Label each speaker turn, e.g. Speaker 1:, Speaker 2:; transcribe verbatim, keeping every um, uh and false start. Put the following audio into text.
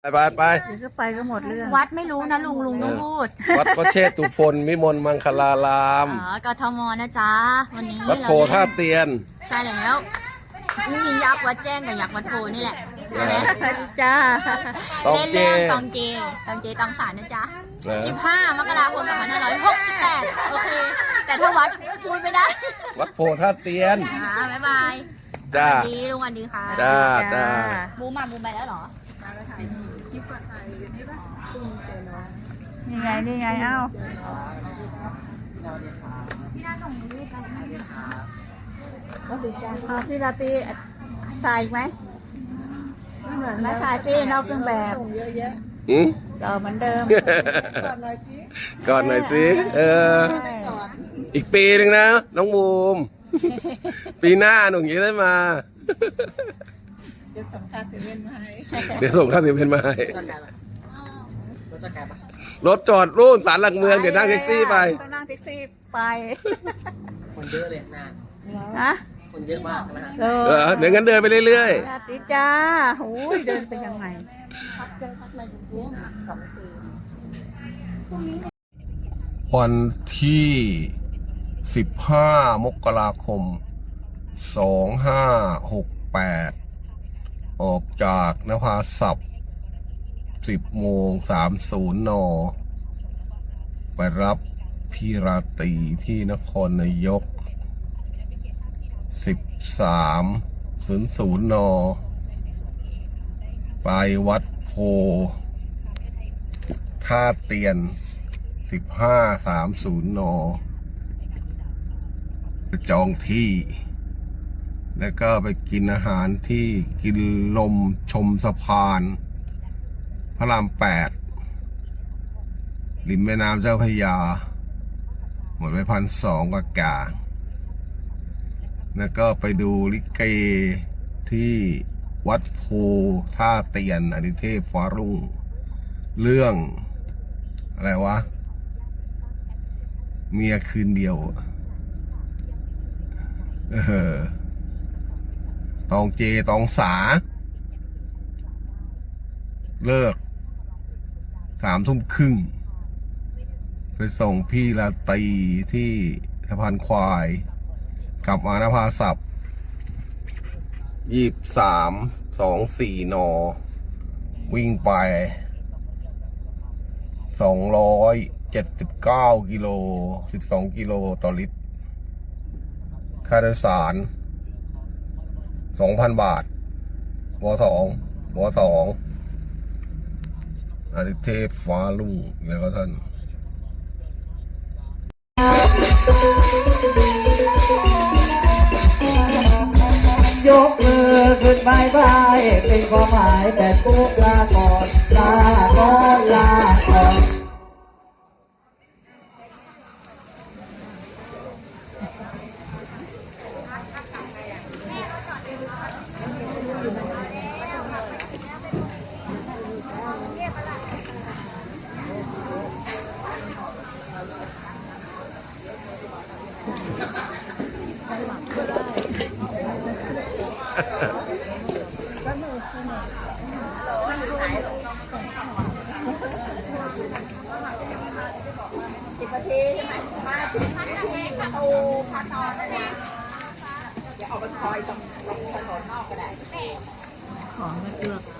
Speaker 1: ไปไปไป
Speaker 2: เดี๋ยวก็ไปก็หมดเรื่อง
Speaker 3: วัดไม่รู้นะลุงลุงต้องพูด
Speaker 1: วัดพระเชตุพนวิมลมังคลาราม
Speaker 3: อ๋อกทมนะจ๊ะวันนี้
Speaker 1: วัดโพท่าเตียน
Speaker 3: ใช่แล้วนี่มียักษ์วัดแจ้งกับยักษ์วัดโพนี่แหละ
Speaker 2: จ้า
Speaker 3: เล่นเรื่องตองเจตองเจตองสารนะจ๊ะสิบห้ามกราคมสองพันห้าร้อยหกสิบแปดโอเคแต่ถ้าวัดพูดไม่ได้
Speaker 1: วัดโพท่าเตียน
Speaker 3: อ่าบ๊ายบาย
Speaker 1: จ้า
Speaker 3: สวัสดีลุงวันดีค่ะ
Speaker 1: จ้าจ้า
Speaker 3: บูมมาบูมไปแล้วเหรอมาแล้วถ่ายคลิปก่อนถ่ายอยู่นี่ป่ะ
Speaker 2: นี่ไงนี่ไงเอ้า
Speaker 3: พี่น่าส่งรูปไปให้ค่ะ
Speaker 2: ก็ดีจ้าพอพี่ราตรีถ่ายไหมไม่เหมือนนะถ่ายพี่นอกเครื่องแบบเยอะแยะ
Speaker 1: อืม
Speaker 2: ก็เหมือนเดิม
Speaker 1: ก่อนหน่อยสิก่อนหน่อยสิเอออีกปีหนึ่งนะน้องบูมปีหน้าหนุ่มจะได้มา
Speaker 2: เดี๋ยวส่งค่าเซเว่นมาให้
Speaker 1: เดี๋ยวส่งค่าเซเว่นมาให้รถจอดรุ่นศาลหลักเมืองเดี๋ยวนั่งแท็กซี่ไป
Speaker 2: ต้องนั่งแท็กซี่ไป
Speaker 4: คนเยอะเลยนาน
Speaker 2: นะ
Speaker 4: คนเยอะมากนะ
Speaker 1: เออเดี๋ยวงั้นเดินไปเรื่อย
Speaker 2: ๆสวัสดีจ้าโอ้ยเดินไปยังไง
Speaker 1: วันที่สิบห้ามกราคมสองห้าหกแปดออกจากนภาศัพท์สิบโมงสามศูนย์นไปรับพี่ราตรีที่นครนายกสิบสามศูนย์ศูนย์นไปวัดโพท่าเตียนสิบห้าสามศูนย์นจองที่แล้วก็ไปกินอาหารที่กินลมชมสะพานพระรามแปดริมแม่น้ำเจ้าพระยาหมดไปพันสองกว่ากาแล้วก็ไปดูลิเกที่วัดโพท่าเตียนอดิเทพฟ้ารุ่งเรื่องอะไรวะเมียคืนเดียวเออตองเจตองสาเลิกสามทุ่มครึ่งไปส่งพี่ราตรีที่สะพานควายกลับมานภาศัพท์ยี่สิบสามสองสี่นวิ่งไปสองร้อยเจ็ดสิบเก้ากิโลสิบสองกิโลต่อลิตรค่าโดยสารสองพันบาทวสองวสองอาทิเทพฟ้าลุ่งแล้วก็ท่าน
Speaker 4: ยกมือขึ้นบายบายเป็นความหมายแต่ปุ๊บลาก่อนลาก่อนลาก่อน
Speaker 3: สิบนาทีใช่ไหมมาถึงที่ประตูพระนอนนั่นเองอย่าออกไปคอยตรงตรงถนนนอกก็ได้
Speaker 2: ของไม่เลือก